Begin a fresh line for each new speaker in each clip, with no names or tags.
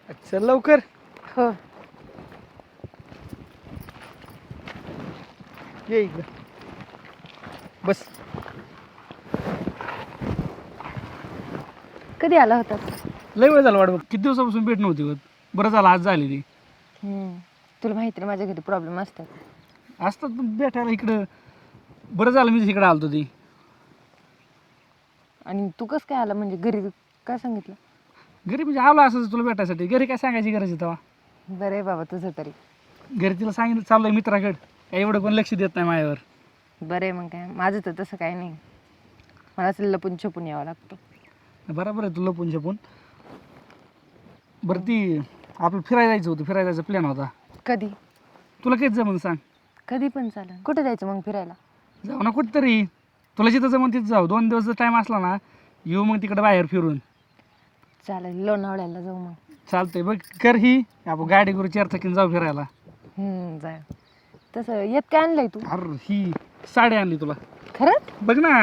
चल लवकर.
हो.
ये इकडं बस.
कधी आला होता?
लय वेळ झाला वाट बघ. किती दिवसापासून भेट नव्हती होत. बरं झालं आज झाली ती.
तुला माहिती ना माझ्या घरी प्रॉब्लेम असतात.
असतात पण भेटायला इकडं. बरं झालं मी इकडे आलतो ती.
आणि तू कसं काय आला म्हणजे घरी काय सांगितलं?
घरी म्हणजे आलो असंच तुला भेटायसाठी. घरी काय सांगायची गरज आहे तेव्हा.
बरं आहे बाबा तुझं तरी.
घरी तिला सांगितलं चाललोय मित्राकडे. काय एवढं कोण लक्ष देत नाही माझ्यावर.
बरं आहे मग काय, माझं तर तसं काही नाही. मला असं लपून छपून यावं लागतं.
बरोबर आहे, तू लपून छपून. बरं ती आपलं फिरायला जायचं होतं. फिरायला जायचा प्लॅन होता.
कधी?
तुला काहीच जमून सांग.
कधी पण चालेल. कुठे जायचं मग फिरायला?
जाऊ ना कुठंतरी. तुला जिथं जमून तिथं जाऊ. 2 दिवस टाईम असला ना येऊ मग तिकडे बाहेर फिरून.
चालेल, लोणावळ्याला जाऊ मग.
चालतंय बघ. कर ही आपण गाडी करू 4 चाकीने जाऊ फिरायला.
जाय. तसं येत काय आणलंय तू?
अरे ही साडी आणली तुला.
खरंच?
बघ ना.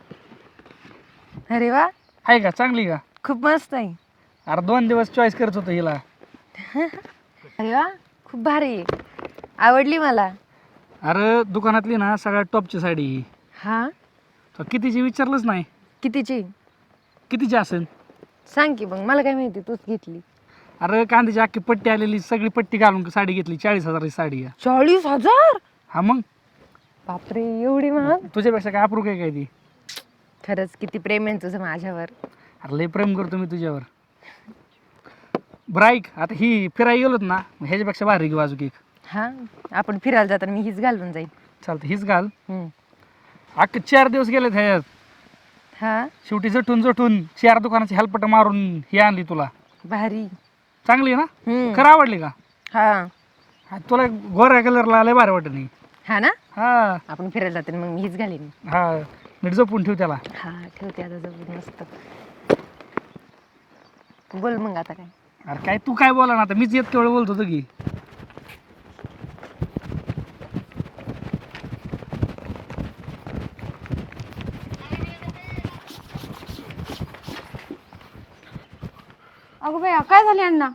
अरे वा,
आहे का चांगली का?
खूप मस्त आहे.
अरे 2 दिवस चॉईस करत होतो हिला.
अरे वा, खूप भारी आहे. आवडली मला.
अरे दुकानातली ना सगळ्यात टॉपची साडी ही.
हा?
तो कितीची विचारलंच नाही.
कितीची?
कितीची असेल?
सांग की मग, मला काय माहिती, तूच घेतली.
अरे कांद्याची अख्खी पट्टी आलेली सगळी पट्टी घालून साडी घेतली. 40,000ची साडी आहे.
40,000?
हा मग
बापरे, एवढी महाग?
तुझ्यापेक्षा काय अप्रूप आहे काय ती.
खरंच किती प्रेम आहे तुझं माझ्यावर.
अरे लय प्रेम करतो मी तुझ्यावर. बरं ऐक, आता ही फिरायला गेलोत ना ह्याच्यापेक्षा भारी घेऊ अजून एक.
हा, आपण फिरायला जाताना मी हीच घालून जाईल.
चालतं हीच घाल. अख्खे 4 दिवस गेलेत ह्याच्यात.
हा,
शेवटी जटून 4 दुकानाची हेल्पट मारून ही आणली तुला.
भारी.
चांगली आहे ना? खरं आवडली का?
हा.
हा, तुला गोऱ्या कलरला लय भारी वाटत नाही?
हा ना,
हा
आपण फिरायला जाताना मग मी हीच घालीन.
हा, नीट जपून ठेव त्याला.
हा, ठेवते आता जवळ मस्त. बोल मग आता काय.
अरे काय तू काय बोला ना आता, मीच येत केवळ बोलतो होतो की.
अगं बाया, काय झाले अण्णा?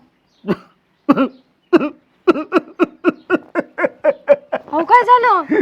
हो, काय झालं?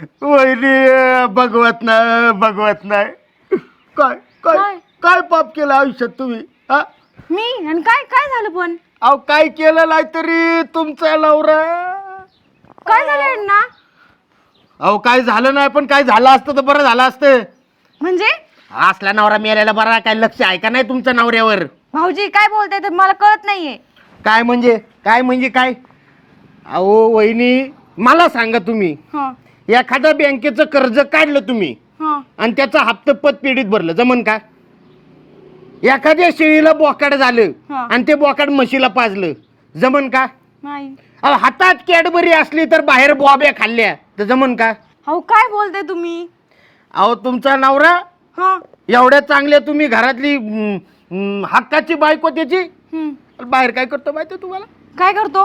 वहिनी भगवत नाही. काय काय काय पाप केलं आयुष्यात तुम्ही? हा,
मी? आणि काय काय झालं पण?
अहो काय केलं नाही तरी तुमचा नवरा.
काय झालं अण्णा?
अहो काय झालं नाही, पण काय झालं असतं तर बरं झालं असतं.
म्हणजे?
असला नवरा मेल्याला बरा. काय लक्ष आहे का नाही तुमच्या नवऱ्यावर?
भाऊजी काय बोलताय तर मला कळत नाहीये.
काय म्हणजे काय? अहो वहिनी मला सांगा, तुम्ही एखाद्या बँकेचं कर्ज काढलं तुम्ही आणि त्याचा हप्ता पतपेढीत भरलं, जमन का? एखाद्या शेळीला बोकाड झालं आणि ते बोकाड म्हशीला पाजलं, जमन का?
नाही.
अहो हातात कॅडबरी असली तर बाहेर बॉब्या खाल्ल्या तर जमन का?
अहो काय बोलताय तुम्ही?
अहो तुमचा नवरा एवढ्या चांगल्या तुम्ही घरातली हक्काची बायको त्याची बाहेर काय करतो माहिती तुम्हाला?
काय करतो?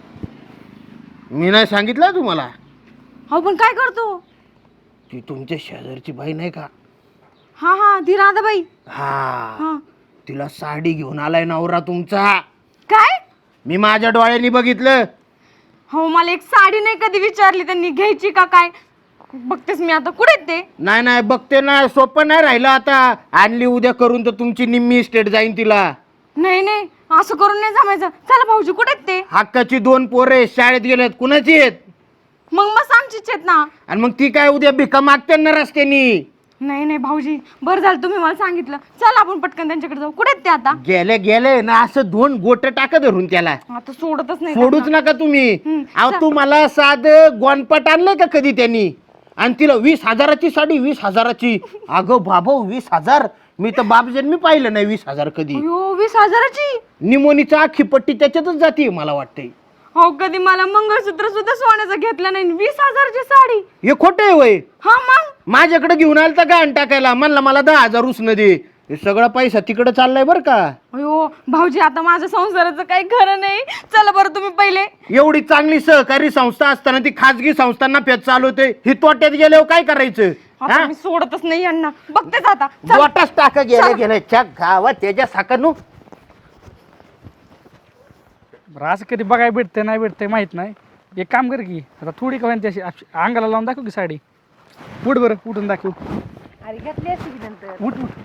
मी नाही सांगितलं तुम्हाला?
हो, पण काय करतो?
ती तुमच्या शेजारची बाई नाही का?
हा हा, ती राधाबाई.
हा, तिला साडी घेऊन आलाय नवरा तुमचा.
काय?
मी माझ्या डोळ्यांनी बघितलं.
हो, मला एक साडी नाही कधी विचारली त्यांनी घ्यायची का काय. बघतेस मी आता. कुठे ते?
नाही बघते ना, सोपं नाही राहिलं आता. आणली उद्या करून तर तुमची निम्मी इस्टेट जाईन तिला.
नाही, असं करून नाही जमायचं. चला भाऊजी, कुठे ते?
हक्काची 2 पोरे शाळेत गेलेत. कुणाची आहेत?
मग आमचीच आहेत ना.
आणि मग ती काय उद्या भिका मागते ना रस्त्यानी?
नाही भाऊजी, बरं झालं तुम्ही मला सांगितलं. चल आपण पटकन त्यांच्याकडे जाऊ. कुठे ते आता?
गेले ना, असं 2 गोट टाका धरून त्याला.
आता सोडतच नाही.
सोडूच नका तुम्ही. अहो
चल.
तू मला साध गोनपट आणलंय का कधी त्यांनी? आणि तिला 20,000ची साडी, 20,000ची. अगं बाबा, 20,000? मी तर बाप जन्मी पाहिलं नाही 20,000 कधी.
20,000ची?
निमोनीचा अख्खी पट्टी त्याच्यातच जाते मला वाटतंय.
हो, कधी मला मंगळसूत्र सुद्धा सोन्याचं घेतलं नाही. 20,000ची साडी?
हे खोटं आहे वय?
हा मग?
माझ्याकडे घेऊन आलं तर गाण टाकायला म्हणला मला 10,000 उसनं दे. हे सगळा पैसा तिकडे चाललाय बरं का.
अयो भाऊजी, आता माझ्या संसाराचं काही खरं नाही. चला बरं तुम्ही पहिले.
एवढी चांगली सहकारी संस्था असताना ती खाजगी संस्थांना पेच चालवते. ही तोट्यात गेल्यावर काय करायचं?
आता मी सोडतच नाही यांना. बघतेच आता. चल.
वाटाच टाका गेले च्या गावात त्याच्या साखर
बरं असं कधी बघायला भेटतंय नाही भेटतंय माहित नाही. एक काम कर की आता थोडी का त्याशी अंगाला लावून दाखव की साडी. उठ बरं उठून दाखव.
अरे घेतली असती की नंतर.
उठ उठ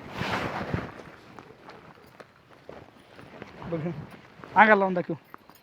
बघ अंगाला लावून दाखव.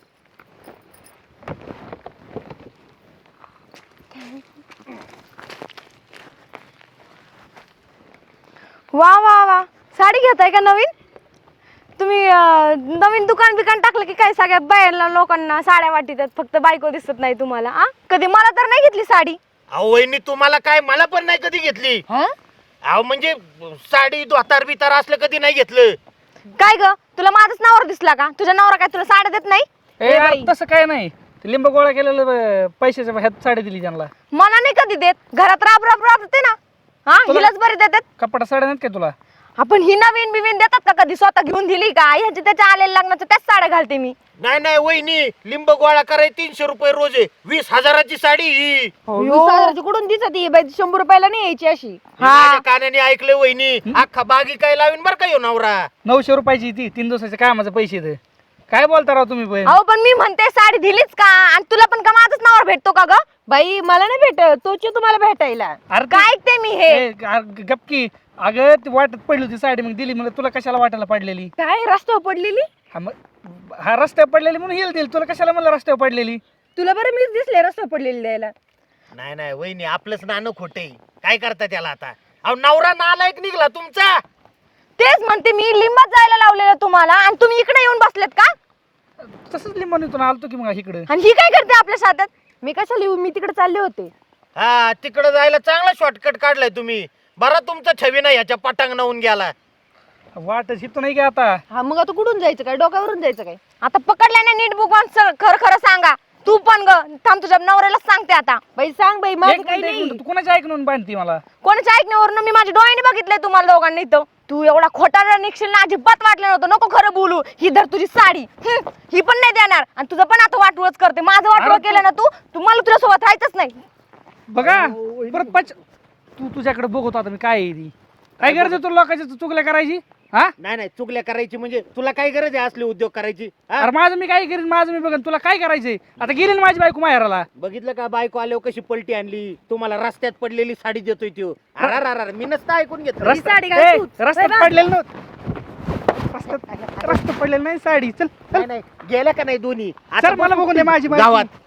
वा वा वा, साडी घेताय का नवीन तुम्ही? नवीन दुकान बिकान टाकलं की काय? सगळ्या बाहेरला लोकांना साड्या वाटतात, फक्त बायको दिसत नाही तुम्हाला. आ कधी मला तर नाही घेतली साडी.
अहो वहिनी तुम्हाला काय, मला पण नाही कधी घेतली. अहो म्हणजे साडी धोतार बितार असलं कधी नाही घेतलं.
काय ग, तुला माझाच नवरा दिसला का? तुझ्या नवरा काय तुला साड्या देत नाही?
ए अरे तसं काय नाही. ते लिंब गोळा केलेलं पैशाच्या ह्यात साडी दिली त्यांना.
मला नाही कधी देत. घरात राब राब राबते ना. हा हिलाच बरी देतात.
कपडा साड्या नाहीत काय तुला?
आपण ही नवीन बिवीन देतात का कधी? स्वतः घेऊन दिली का? ह्याच्या त्याच्या आलेल्या लग्नाच्या त्याच साड्या घालते मी.
नाही नाही वहिनी, लिंब गोळा कराय 300 रुपये रोज आहे. 20,000ची साडी ही.
कुठून दिसत 100 रुपयाला नाही यायची अशी.
हे माझ्या कानाने ऐकलं वहिनी. अख्खा बागी काय लावीन बर का ह्यो नवरा.
900 रुपयाची ती 3 दिवसाच्या कामाचे पैसे ते. काय बोलता राव तुम्ही पण?
अहो पण मी म्हणते साडी दिलीच का? आणि तुला पण का माझाच नवरा भेटतो का ग? बाई मला नाही भेटत, तोच तुम्हाला भेटायला.
अरे
काय ऐकते मी हे?
गपकी अगं ती वाटत पडली होती साडी मग दिली. म्हणलं तुला कशाला वाटायला पडलेली?
काय रस्त्यावर पडलेली?
हा रस्त्यावर पडलेली म्हणून हिल दिली. तुला कशाला म्हणलं रस्त्यावर पडलेली?
तुला बरं मीच दिसले रस्त्यावर पडलेली द्यायला.
नाही नाही वहिनी, आपलंच नाणं खोटे. काय करता त्याला आता? अहो नवरा नालायक निघला तुमचा.
तेच म्हणते मी, लिंबात जायला लावलेलं तुम्हाला आणि तुम्ही इकडे येऊन बसलेत का?
तसंच लिंबून आलतो की मग इकडे.
आणि ही काय करते आपल्या साथात? मी कशाला येऊ? मी तिकडे चालले होते.
हा तिकडे जायला चांगला शॉर्टकट काढलाय तुम्ही. बरा तुमचा छवी नाही ह्याच्या पटांग नावून गेला.
वाटच हितो नाही की आता.
हा मग आता कुठून जायचं काय? डोक्यावरून जायचं काय? आता पकडल्या ना नीट बुकवान, खरं खरं सांगा. तू पण ग थांब, तुझ्या नवऱ्याला सांगते आता. बाई सांग बाई, माझं काही नाही.
तू कोणाच्या ऐकून बांधती मला?
कोणाच्या ऐकण्यावरून? मी माझ्या डोळ्याने बघितलंय तुम्हाला दोघांनी. इथं तू एवढा खोटा निघशील ना, अजिबात वाटलं नव्हतं. नको खरं बोलू. ही धर तुझी साडी. ही पण नाही देणार आणि तुझं पण आता वाटवच करते. माझं वाटवं केलं ना तू मला तुझ्यासोबत राहायचंच नाही.
बघा परत तू तुझ्याकडे बघतो आता मी काय आहे ती. काय गरज आहे तुला लोकांच्या चुगल्या करायची? हा
नाही नाही चुगल्या करायची म्हणजे तुला काय गरज आहे असले उद्योग करायची? हा?
अरे माझं मी काय करीन, माझं मी बघन. तुला काय करायचंय? आता गेली ना माझी बायको माहेराला.
बघितलं का बायको आल्यावर कशी पलटी आणली? तुम्हाला रस्त्यात पडलेली साडी देतोय त्यो. अरे मी नसतं ऐकून घेतलं.
रस्त्यात पडलेलं नव्हतं. रस्त्यात पडलेलं नाही साडी. चल
नाही नाही गेल्या का नाही दोन्ही?
सर मला बघून दे माझी बायको.
गावात